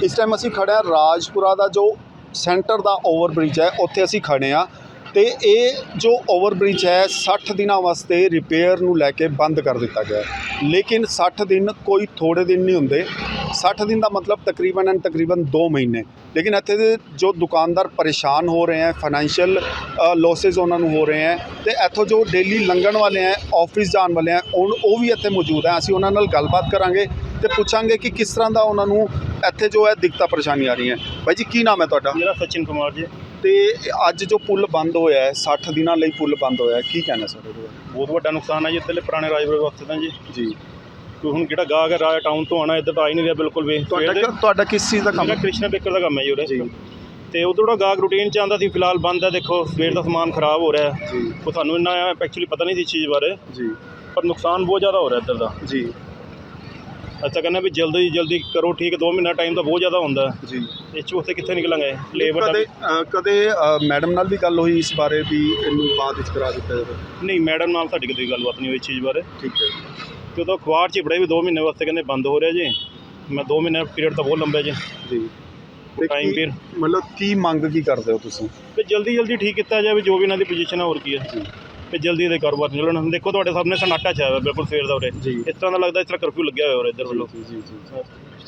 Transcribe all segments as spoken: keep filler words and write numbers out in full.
इस टाइम असी खड़े हैं राजपुरा का जो सेंटर का ओवरब्रिज है, उत्थे असी खड़े हाँ। तो ये जो ओवरब्रिज है साठ दिन वास्ते रिपेयर नूं लैके बंद कर दिता गया, लेकिन साठ दिन कोई थोड़े दिन नहीं होंगे। साठ दिन का मतलब तकरीबन एंड तकरीबन दो महीने। लेकिन इत्थे दे जो दुकानदार परेशान हो रहे हैं, फाइनैंशियल लॉसेज उन्होंने हो रहे हैं, तो इत्थों जो डेली लंघन वाले हैं, ऑफिस जाने वाले हैं, उन वो भी इत्थे मौजूद हैं। असीं उन्हां नाल गलबात करांगे तो पूछांगे कि किस तरह का उन्होंने इत्थे जो है दिक्कतां परेशानी आ रही हैं। भाई जी की नाम है तुहाडा? मेरा सचिन कुमार जी। तो अज जो पुल बंद होया है, साठ दिनों लिए पुल बंद होया है, की कहना सर? बहुत वड्डा नुकसान है जी इधरले पुराने राजपुरे वास्ते तां जी। जी कोई हुण जिहड़ा गाहक है राज टाउन तो आना इधर तो आ ही नहीं रहा बिल्कुल भी। तुहाडा किस चीज़ का काम मेरा है? कृष्णा बेकर का काम है जी उरे। जी तो उधर ਜਿਹੜਾ गाहक रूटीन च आंदा सी, फिलहाल बंद है। देखो सवेर का समान खराब हो रहा है, जी वो सानू इन्ना एक्चुअली पता नहीं थी चीज़ बारे, जी पर नुकसान बहुत ज़्यादा हो रहा है इधर का। जी अच्छा कहना भी जल्दी जल्दी करो ठीक है, दो महीना टाइम तो बहुत ज़्यादा होंदा है। जी इस च उत्थे कित्थे निकलांगे लेबर कदे दा। कदे मैडम नाल भी गल हुई इस बारे भी इनू बाद विच करा दिता जाए? नहीं मैडम नाल साडी कदे गलबात नहीं हुई इस चीज़ बारे। ठीक है। तो उदों अखबार च बड़े भी दो महीने वास्ते कहते बंद हो रहा जी। मैं दो महीने पीरियड तो बहुत लंबा है जी जी ते टाइम की- पीरियड। मतलब की मंग की करते हो तुसीं? भी जल्दी जल्दी ठीक किया जाए जो भी इन्हों की पोजीशन है, और की है भी जल्दी दे कारोबार चलन। देखो तुहाडे सामने सन्नाटा छाया हुआ बिल्कुल सवेर का उरे, जी इस तरह का लगता इस तरह कर्फ्यू लग्या हुआ इधर वालों। जी जी जी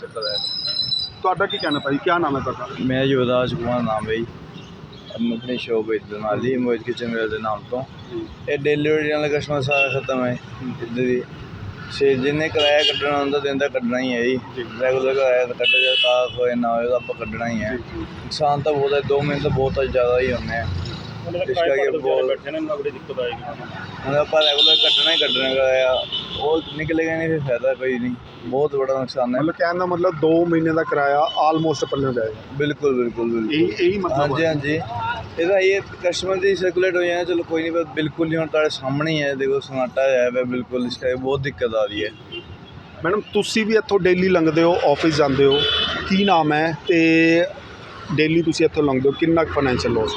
तुहाडा की कहना भाई, क्या नाम है तुहाडा? मैं युवराज कुमार नाम है जी। मैं अपनी शॉप इधर नाली मोहित किचन वेयर के नाम तो ये डिलीवरी वाला कस्टमर सारा खत्म है इधर ही। से जिन्हें किराया कट्टना होंगे दिन का कट्टना ही है जी। रेगूलर किराया तो कट्टे जाए ताक होए ना होए तो आप कट्टना ही है। नुकसान तो बहुत है, दो महीने तो बहुत ज़्यादा ही होने हैं। इसका ये बहुत बैठे ना बड़ी दिक्कत आएगी। मतलब आप रेगुलर कट्टना ही कट्टना किराया और निकलेगा नहीं, फिर फायदा कोई नहीं। बहुत बड़ा नुकसान है। मतलब कहने का मतलब दो महीने का किराया आलमोस्ट पल्ले हो जाएगा। बिल्कुल बिल्कुल बिल्कुल यही यही हाँ मतलब जी है। हाँ जी। ਇਹਦਾ ਇਹ ਕਸਟਮਰ ਦੀ ਸਰਕੂਲੇਟ ਹੋ ਜਾਣਾ, ਚਲੋ ਕੋਈ ਨਹੀਂ, ਪਰ ਬਿਲਕੁਲ ਨਹੀਂ ਹੁਣ ਤੁਹਾਡੇ ਸਾਹਮਣੇ ਹੀ ਹੈ। ਦੇਖੋ ਸਨਾਟਾ ਹੈ ਵਾ ਬਿਲकुल, ਇਸ ਕਰਕੇ ਬਹੁਤ ਦਿੱਕਤ ਆ ਰਹੀ ਹੈ। मैडम तुसी भी इत्थों डेली लंघते हो, ऑफिस जाते हो, की नाम है तो डेली तुसी इत्थों लंघते हो, कितना फाइनैंशियल लॉस?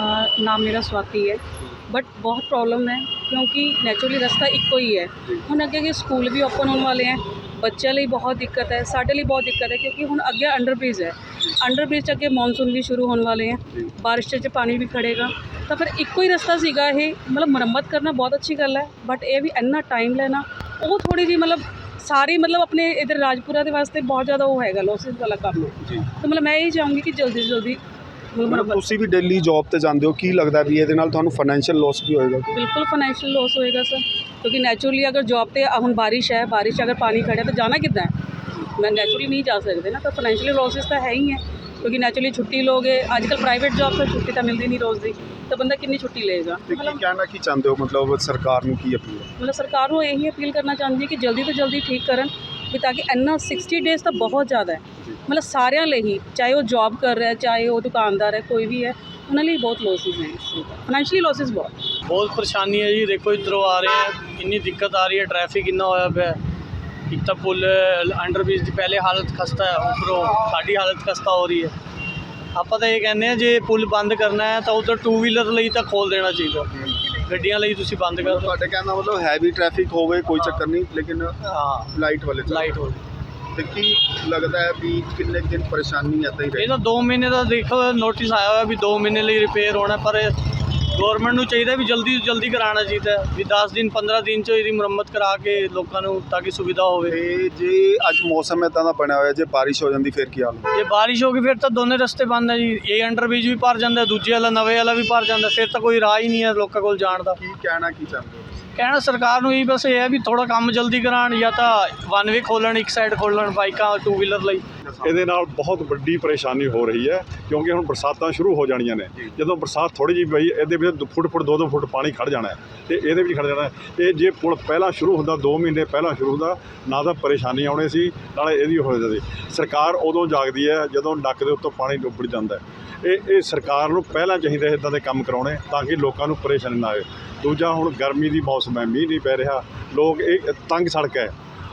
नाम मेरा स्वाति है, बट बहुत प्रॉब्लम है क्योंकि नैचुरली रस्ता इक्को ही है। हुण अगे अगे स्कूल भी ओपन होने वाले हैं, बच्चों लिए बहुत दिक्कत है, साढ़े लिए बहुत दिक्कत है क्योंकि हुण अगे अंडरब्रिज है, अंडरब्रिज अगे मॉनसून भी शुरू होने वाले हैं, बारिश च पानी भी खड़ेगा, तो फिर इक्को ही रस्ता सीगा ये। मतलब मुरम्मत करना बहुत अच्छी गल है, बट ये भी इन्ना टाइम लेना वो थोड़ी जी मतलब सारी मतलब अपने इधर राजपुरा के वास्ते बहुत ज़्यादा वो है लॉसिस वाला काम है। जी तो मतलब मैं यही चाहूँगी कि जल्दी से जल्दी मतलब मतलब मुरम्मत। तुसी भी डेली जॉब ते जाते हो, की लगता है भी ये तुहानू फाइनैंशियल लॉस भी होएगा? बिल्कुल फाइनैंशियल लॉस होएगा सर, क्योंकि नेचुरली अगर जॉब पे हुण बारिश है, बारिश अगर पानी खड़े तो जाना कितना है, मैं नेचुरली नहीं जा सकते ना, तो फाइनैंशियल लॉसिस तो है ही है। क्योंकि नेचुरली छुट्टी लोगे आजकल प्राइवेट जॉब से छुट्टी तो मिलती नहीं रोज़ की, तो बंदा कितनी छुट्टी लेगा। ते की मतलब कहना की चाहते हो, मतलब सरकार नू की अपील? मतलब सरकार को यही अपील करना चाहती है कि जल्दी तो जल्दी ठीक करन भी, ताकि इन्ना सिक्सटी डेज़ तो बहुत ज़्यादा है। मतलब सारिਆਂ ਲਈ ही, चाहे वो जॉब कर रहा है, चाहे वो दुकानदार है, कोई भी है, उन्होंने लिए बहुत लॉसिस हैं, फाइनैंशियली लॉसिस बहुत बहुत परेशानी है जी। देखो इधरों आ रहे हैं, इन्नी दिक्कत आ रही है, ट्रैफिक इन्ना होया पिया। एक तो पुल अंडरब्रिज की पहले हालत खस्ता है, उपरों साड़ी हालत खस्ता हो रही है। ਆਪਾਂ ਤਾਂ ਇਹ ਕਹਿੰਦੇ ਆ ਜੇ ਪੁਲ ਬੰਦ ਕਰਨਾ ਹੈ ਤਾਂ ਉਧਰ ਟੂ ਵੀਲਰ ਲਈ ਤਾਂ ਖੋਲ ਦੇਣਾ ਚਾਹੀਦਾ, ਗੱਡੀਆਂ ਲਈ ਤੁਸੀਂ ਬੰਦ ਕਰ ਦਿਓ। ਤੁਹਾਡੇ ਕਹਿਣ ਦਾ ਮਤਲਬ ਹੈਵੀ ਟ੍ਰੈਫਿਕ ਹੋਵੇ ਕੋਈ ਚੱਕਰ ਨਹੀਂ, ਲੇਕਿਨ ਹਾਂ ਲਾਈਟ ਵਾਲੇ ਚੱਲੋ। ਲਾਈਟ ਹੋ ਤੇ ਕੀ ਲੱਗਦਾ ਹੈ ਵੀ ਕਿੰਨੇ ਕੁ ਦਿਨ ਪਰੇਸ਼ਾਨੀ ਇੱਦਾਂ ਹੀ ਇਹ ਰਹੇ? ਤਾਂ ਦੋ ਮਹੀਨੇ ਦਾ ਦੇਖੋ ਨੋਟਿਸ ਆਇਆ ਹੋਇਆ ਵੀ ਦੋ ਮਹੀਨੇ ਲਈ ਰਿਪੇਅਰ ਹੋਣਾ, ਪਰ ਗੌਰਮੈਂਟ ਨੂੰ ਚਾਹੀਦਾ ਵੀ ਜਲਦੀ ਤੋਂ ਜਲਦੀ ਕਰਾਉਣਾ ਚਾਹੀਦਾ ਵੀ ਦਸ ਦਿਨ ਪੰਦਰਾਂ ਦਿਨ 'ਚ ਇਹਦੀ ਮੁਰੰਮਤ ਕਰਾ ਕੇ ਲੋਕਾਂ ਨੂੰ ਤਾਂ ਕਿ ਸੁਵਿਧਾ ਹੋਵੇ। ਤੇ ਜੇ ਅੱਜ ਮੌਸਮ ਇੱਦਾਂ ਦਾ ਬਣਿਆ ਹੋਇਆ, ਜੇ ਬਾਰਿਸ਼ ਹੋ ਜਾਂਦੀ ਫਿਰ ਕੀ ਹਾਲ ਹੋਊ? ਜੇ ਬਾਰਿਸ਼ ਹੋ ਗਈ ਫਿਰ ਤਾਂ ਦੋਨੇ ਰਸਤੇ ਬੰਦ ਹੈ ਜੀ। ਇਹ ਅੰਡਰਬ੍ਰਿਜ ਵੀ ਭਰ ਜਾਂਦਾ, ਦੂਜੇ ਵਾਲਾ ਨਵੇਂ ਵਾਲਾ ਵੀ ਭਰ ਜਾਂਦਾ, ਫਿਰ ਤਾਂ ਕੋਈ ਰਾਹ ਹੀ ਨਹੀਂ ਹੈ ਲੋਕਾਂ ਕੋਲ ਜਾਣ ਦਾ। ਕੀ ਕਹਿਣਾ ਕੀ ਚਾਹੁੰਦੇ ਹੋ? ਕਹਿਣਾ ਸਰਕਾਰ ਨੂੰ ਇਹ ਬਸ ਇਹ ਹੈ ਵੀ ਥੋੜਾ ਕੰਮ ਜਲਦੀ ਕਰਾਉਣ, ਜਾਂ ਤਾਂ ਵਨ ਵੇ ਖੋਲ੍ਹਣ, ਇੱਕ ਸਾਈਡ ਖੋਲ੍ਹਣ ਬਾਈਕਾਂ ਟੂ ਵੀਲਰ ਲਈ। ਇਹਦੇ ਨਾਲ ਬਹੁਤ ਵੱਡੀ ਪਰੇਸ਼ਾਨੀ ਹੋ ਰਹੀ ਹੈ ਕਿਉਂਕਿ ਹੁਣ ਬਰਸਾਤਾਂ ਸ਼ੁਰੂ ਹੋ ਜਾਣੀਆਂ ਨੇ। ਜਦੋਂ ਬਰਸਾਤ ਥੋੜ੍ਹੀ ਜਿਹੀ ਪਈ, ਇਹਦੇ ਵਿੱਚ ਫੁੱਟ ਫੁੱਟ ਦੋ ਦੋ ਫੁੱਟ ਪਾਣੀ ਖੜ੍ਹ ਜਾਣਾ ਹੈ ਅਤੇ ਇਹਦੇ ਵਿੱਚ ਖੜ੍ਹ ਜਾਣਾ ਹੈ। ਇਹ ਜੇ ਪੁਲ ਪਹਿਲਾਂ ਸ਼ੁਰੂ ਹੁੰਦਾ, ਦੋ ਮਹੀਨੇ ਪਹਿਲਾਂ ਸ਼ੁਰੂ ਹੁੰਦਾ, ਨਾ ਤਾਂ ਪਰੇਸ਼ਾਨੀ ਆਉਣੀ ਸੀ, ਨਾਲੇ ਇਹਦੀ ਹੋ ਜਾਂਦੀ। ਸਰਕਾਰ ਉਦੋਂ ਜਾਗਦੀ ਹੈ ਜਦੋਂ ਨੱਕ ਦੇ ਉੱਤੋਂ ਪਾਣੀ ਡੁੱਬੜ ਜਾਂਦਾ ਹੈ। ਇਹ ਇਹ ਸਰਕਾਰ ਨੂੰ ਪਹਿਲਾਂ ਚਾਹੀਦਾ ਇੱਦਾਂ ਦੇ ਕੰਮ ਕਰਾਉਣੇ ਤਾਂ ਕਿ ਲੋਕਾਂ ਨੂੰ ਪਰੇਸ਼ਾਨੀ ਨਾ ਆਵੇ। ਦੂਜਾ ਹੁਣ ਗਰਮੀ ਦੀ ਮੌਸਮ ਹੈ, ਮੀਂਹ ਨਹੀਂ ਪੈ ਰਿਹਾ, ਲੋਕ ਇਹ ਤੰਗ ਸੜਕ ਹੈ,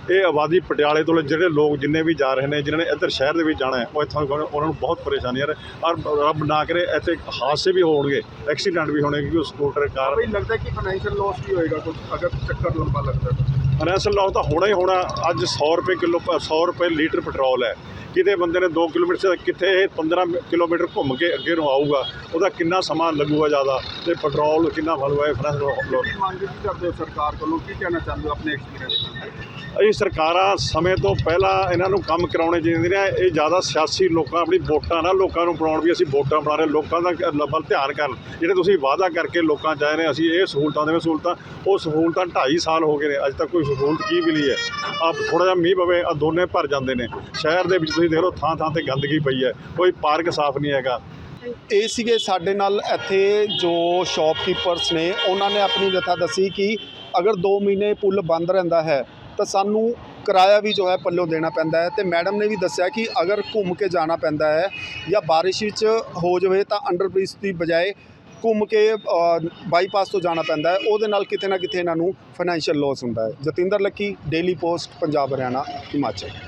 ਇਹ ਆਬਾਦੀ ਪਟਿਆਲੇ ਤੋਂ ਜਿਹੜੇ ਲੋਕ ਜਿੰਨੇ ਵੀ ਜਾ ਰਹੇ ਨੇ, ਜਿਨ੍ਹਾਂ ਨੇ ਇੱਧਰ ਸ਼ਹਿਰ ਦੇ ਵਿੱਚ ਜਾਣਾ ਹੈ, ਉਹ ਇੱਥੋਂ ਉਹਨਾਂ ਨੂੰ ਬਹੁਤ ਪਰੇਸ਼ਾਨੀ ਆ ਰਹੀ। ਔਰ ਰੱਬ ਨਾ ਕਰੇ ਇੱਥੇ ਹਾਦਸੇ ਵੀ ਹੋਣਗੇ, ਐਕਸੀਡੈਂਟ ਵੀ ਹੋਣੇ, ਕਿਉਂਕਿ ਸਕੂਟਰ ਕਾਰ ਬਈ ਲੱਗਦਾ ਕਿ ਫਾਈਨੈਂਸ਼ੀਅਲ ਲਾਸ ਵੀ ਹੋਏਗਾ ਕੁਝ ਅਗਰ ਚੱਕਰ ਲੰਬਾ ਲੱਗਦਾ ਤਾਂ। ਫਾਈਨੈਂਸ਼ੀਅਲ ਲਾਸ ਤਾਂ ਹੋਣਾ ਹੀ ਹੋਣਾ। ਅੱਜ ਸੌ ਰੁਪਏ ਕਿਲੋ ਸੌ ਰੁਪਏ ਲੀਟਰ ਪੈਟਰੋਲ ਹੈ। ਕਿਤੇ ਬੰਦੇ ਨੇ ਦੋ ਕਿਲੋਮੀਟਰ ਕਿੱਥੇ ਇਹ ਪੰਦਰਾਂ ਕਿਲੋਮੀਟਰ ਘੁੰਮ ਕੇ ਅੱਗੇ ਨੂੰ ਆਊਗਾ, ਉਹਦਾ ਕਿੰਨਾ ਸਮਾਂ ਲੱਗੂਗਾ ਜ਼ਿਆਦਾ, ਅਤੇ ਪੈਟਰੋਲ ਕਿੰਨਾ ਫਲੂਗਾ। ਇਹ ਫਾਈਨੈਂਸ਼ੀਅਲ ਮੰਗ ਕੀ ਕਰਦੇ ਹੋ ਸਰਕਾਰ ਕੋਲੋਂ, ਕੀ ਕਹਿਣਾ ਚਾਹੁੰਦੇ ਹੋ ਆਪਣੇ ਐਕਸਪੀਰੀਅੰਸ ਨਾਲ? ਅਸੀਂ ਸਰਕਾਰਾਂ ਸਮੇਂ ਤੋਂ ਪਹਿਲਾਂ ਇਹਨਾਂ ਨੂੰ ਕੰਮ ਕਰਾਉਣੇ ਚਾਹੀਦੇ ਨੇ। ਇਹ ਜ਼ਿਆਦਾ ਸਿਆਸੀ ਲੋਕਾਂ ਆਪਣੀ ਵੋਟਾਂ ਨਾਲ ਲੋਕਾਂ ਨੂੰ ਬਣਾਉਣ ਵੀ ਅਸੀਂ ਵੋਟਾਂ ਬਣਾ ਰਹੇ, ਲੋਕਾਂ ਦਾ ਵੱਲ ਧਿਆਨ ਕਰਨ। ਜਿਹੜੇ ਤੁਸੀਂ ਵਾਅਦਾ ਕਰਕੇ ਲੋਕਾਂ ਚਾਹ ਰਹੇ ਅਸੀਂ ਇਹ ਸਹੂਲਤਾਂ ਦੇਵੇਂ, ਸਹੂਲਤਾਂ ਉਹ ਸਹੂਲਤਾਂ ਢਾਈ ਸਾਲ ਹੋ ਗਏ ਨੇ, ਅੱਜ ਤੱਕ ਕੋਈ ਸਹੂਲਤ ਕੀ ਮਿਲੀ ਹੈ। ਆਪ ਥੋੜ੍ਹਾ ਜਿਹਾ ਮੀਂਹ ਪਵੇ ਆ ਦੋਨੇ ਭਰ ਜਾਂਦੇ ਨੇ। ਸ਼ਹਿਰ ਦੇ ਵਿੱਚ ਤੁਸੀਂ ਦੇਖ ਲਓ ਥਾਂ ਥਾਂ 'ਤੇ ਗੰਦਗੀ ਪਈ ਹੈ, ਕੋਈ ਪਾਰਕ ਸਾਫ਼ ਨਹੀਂ ਹੈਗਾ। ਇਹ ਸੀਗੇ ਸਾਡੇ ਨਾਲ ਇੱਥੇ ਜੋ ਸ਼ਾਪਕੀਪਰਸ ਨੇ, ਉਹਨਾਂ ਨੇ ਆਪਣੀ व्यथा ਦੱਸੀ ਕਿ ਅਗਰ ਦੋ ਮਹੀਨੇ ਪੁੱਲ ਬੰਦ ਰਹਿੰਦਾ ਹੈ ਤਾਂ ਸਾਨੂੰ ਕਿਰਾਇਆ ਵੀ ਜੋ ਹੈ ਪੱਲੋਂ ਦੇਣਾ ਪੈਂਦਾ ਹੈ। ਅਤੇ ਮੈਡਮ ਨੇ ਵੀ ਦੱਸਿਆ ਕਿ ਅਗਰ ਘੁੰਮ ਕੇ ਜਾਣਾ ਪੈਂਦਾ ਹੈ ਜਾਂ ਬਾਰਿਸ਼ ਵਿੱਚ ਹੋ ਜਾਵੇ ਤਾਂ ਅੰਡਰ ਬ੍ਰਿਜ ਦੀ ਬਜਾਏ ਘੁੰਮ ਕੇ ਬਾਈਪਾਸ ਤੋਂ ਜਾਣਾ ਪੈਂਦਾ ਹੈ। ਉਹਦੇ ਨਾਲ ਕਿਤੇ ਨਾ ਕਿਤੇ ਇਹਨਾਂ ਨੂੰ ਫਾਈਨੈਂਸ਼ੀਅਲ ਲਾਸ ਹੁੰਦਾ ਹੈ। Jatinder Lucky, Daily Post, Punjab Haryana Himachal.